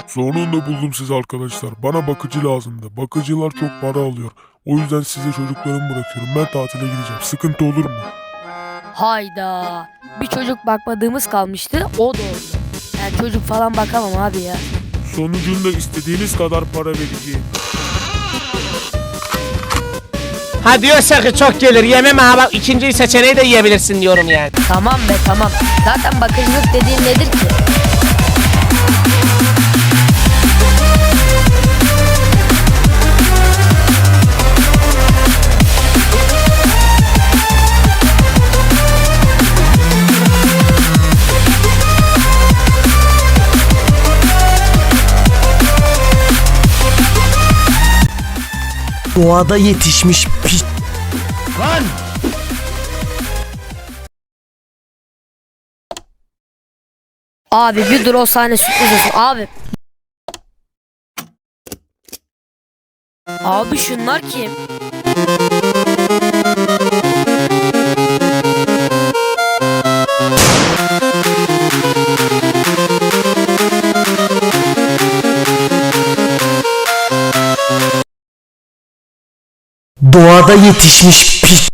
Sonunda buldum sizi arkadaşlar. Bana bakıcı lazımdı. Bakıcılar çok para alıyor. O yüzden size çocuklarımı bırakıyorum. Ben tatile gideceğim. Sıkıntı olur mu? Hayda. Bir çocuk bakmadığımız kalmıştı. O da oldu. Yani çocuk falan bakamam abi ya. Sonucunda istediğiniz kadar para vereceğim. Ha diyorsa ki çok gelir yemem ha bak ikinci seçeneği de yiyebilirsin diyorum yani. Tamam be tamam. Zaten bakıcılık dediğin nedir ki? Doğada yetişmiş piç. Lan! Abi bir dur o sahne sürpriz olsun abi. Abi şunlar kim? Doğada yetişmiş piç.